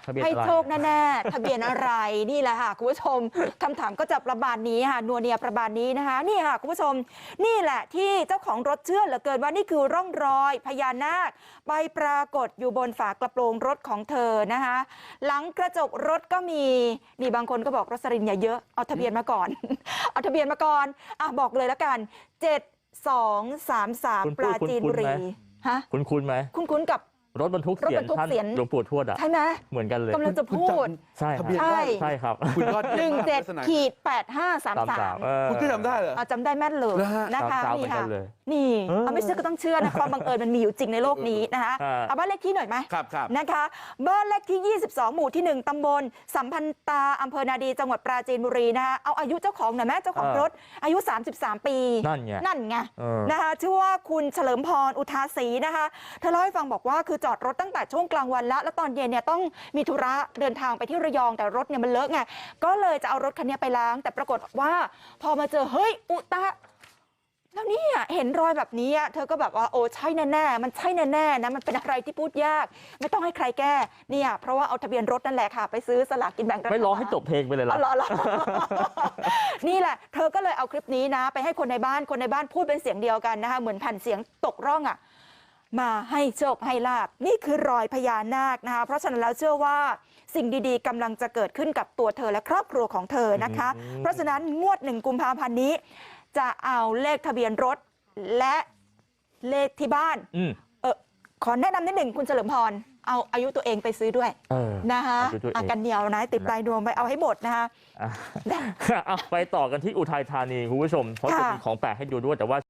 ให้โชคแน่ๆทะเบียนอะไรนี่แหละค่ะคุณผู้ชมคำถามก็จะประมาณนี้ค่ะนัวเนียประมาณนี้นะคะนี่ค่ะคุณผู้ชมนี่แหละที่เจ้าของรถเชื่อเหลือเกินว่านี่คือร่องรอยพญานาคไปปรากฏอยู่บนฝากระโปรงรถของเธอนะคะหลังกระจกรถก็มีนี่บางคนก็บอกรสลินอย่าเยอะเอาทะเบียนมาก่อนเอาทะเบียนมาก่อนบอกเลยแล้วกัน7233ปราจีนบุรีฮะคุ้นไหมคุ้นกับรถบรรทุกเสียนหลวงปู่ทวดอ่ะใช่ไหมเหมือนกันเลยกำลังจะพูดใช่ใช่ครับ 17-8533 คุณก็จำได้เหรอจำได้แม่นเลยนะคะนี่ค่ะนี่ไม่เชื่อก็ต้องเชื่อนะความบังเอิญมันมีอยู่จริงในโลกนี้นะคะเอาบ้านเลขที่หน่อยไหมนะคะบ้านเลขที่22หมู่ที่1ตำบลสัมพันตาอำเภอนาดีจังหวัดปราจีนบุรีนะคะเอาอายุเจ้าของหน่อยแม่เจ้าของรถอายุ33ปีนั่นไงนะคะชื่อว่าคุณเฉลิมพรอุทาศรีนะคะเธอเล่าให้ฟังบอกว่าคือจอดรถตั้งแต่ช่วงกลางวันแล้วตอนเย็นเนี่ยต้องมีธุระเดินทางไปที่ระยองแต่รถเนี่ยมันเลอะไงก็เลยจะเอารถคันนี้ไปล้างแต่ปรากฏว่าพอมาเจอเฮ้ยอุตะแล้วนี่เห็นรอยแบบนี้เธอก็แบบว่าโอ้ใช่แน่ๆมันใช่แน่ๆนะมันเป็นอะไรที่พูดยากไม่ต้องให้ใครแก้เนี่ยเพราะว่าเอาทะเบียนรถนั่นแหละค่ะไปซื้อสลากกินแบ่งรัฐบาลไม่รอให้จบเพลงไปเลยล่ะนี่แหละเธอก็เลยเอาคลิปนี้นะไปให้คนในบ้านพูดเป็นเสียงเดียวกันนะคะเหมือนแผ่นเสียงตกร่องมาให้โชคให้ลาภนี่คือรอยพญานาคนะคะเพราะฉะนั้นแล้วเชื่อว่าสิ่งดีๆกำลังจะเกิดขึ้นกับตัวเธอและครอบครัวของเธอนะคะเพราะฉะนั้นงวด1 กุมภาพันธ์นี้จะเอาเลขทะเบียนรถและเลขที่บ้านขอแนะนำนิดหนึ่งคุณเฉลิมพรเอาอายุตัวเองไปซื้อด้วยนะคะกันเหนียวนะติดปลายดวงไปเอาให้หมดนะคะไปต่อกันที่อุทัยธานีคุณผู้ชมเพราะจะมีของแปลกให้ดูด้วยแต่ว่า